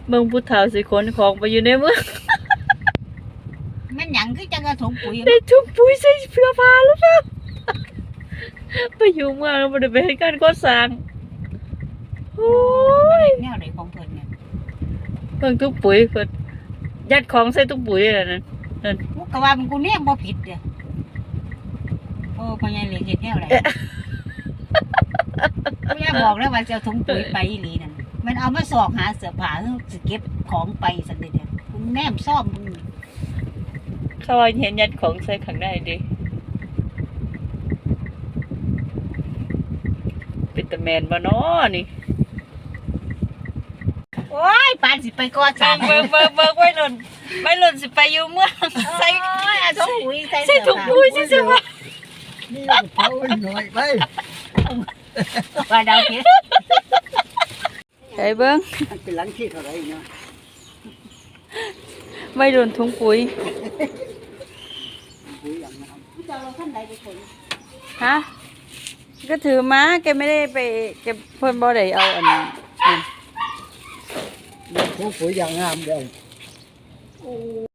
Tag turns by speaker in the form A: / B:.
A: เบิ่งผู้เฒ่าสิขนของไปอยู่ในเมือง
B: แม่นหยังคือจังกระถุงปุ๋ย
A: ได้ทุกปุ๋ยใส่เสื้อผ้าหรือเปล่าไปอยู่เมืองแล้วบ่ได้ไปเฮ็ดการก่อสร้างโอ้ย
B: แนวไหนของเพิ่นเนี่ย
A: เบิ่งทุกปุ๋ยเพิ่นยัดของใส่ทุกปุ๋ยนั่นน่ะ
B: กูก็ว่ามันกูเนี่ยบ่ผิดเด้อโอ้พ่อใหญ่เหล็กเฮ็ดแนวไหนกูอยากบอกแล้วว่าจะเอาถุงปุ๋ยไปอีหลีนั่นมันเอามาสอกหาเสื้อผ้าสิเก็บของไปซั่นเด้อกูแนมซ่อมมึง
A: เขาว่าเห็นยัดของใส่ข้างในดิเป็นตาแมนบ่น้อนี่
B: โอ้ยปานสิไปก่อสร้าง
A: เบิ่งไว้หล่นสิไปอยู่เมืองใส่
B: เอาถุงปุ๋ยใส่
A: ใส่ถุงปุ๋ยใช่ไหม
C: นี่เขาหน่อยไป
B: ว่าดาวเฮ็ด
A: ไอ้เบิ่ง
C: มันเป็นหลังที่เท่าไหร่เนาะ
A: ไม่โดนถุงปุ๋ย
C: ปุ๋ยอย่างนั้น
B: จะเอาขั้นใดไปขน
A: ฮะก็ถือมาแกไม่ได้ไปแกเพิ่นบ่ได้เอาอันนี้
C: ปุ๋ยอย่างงามเดียว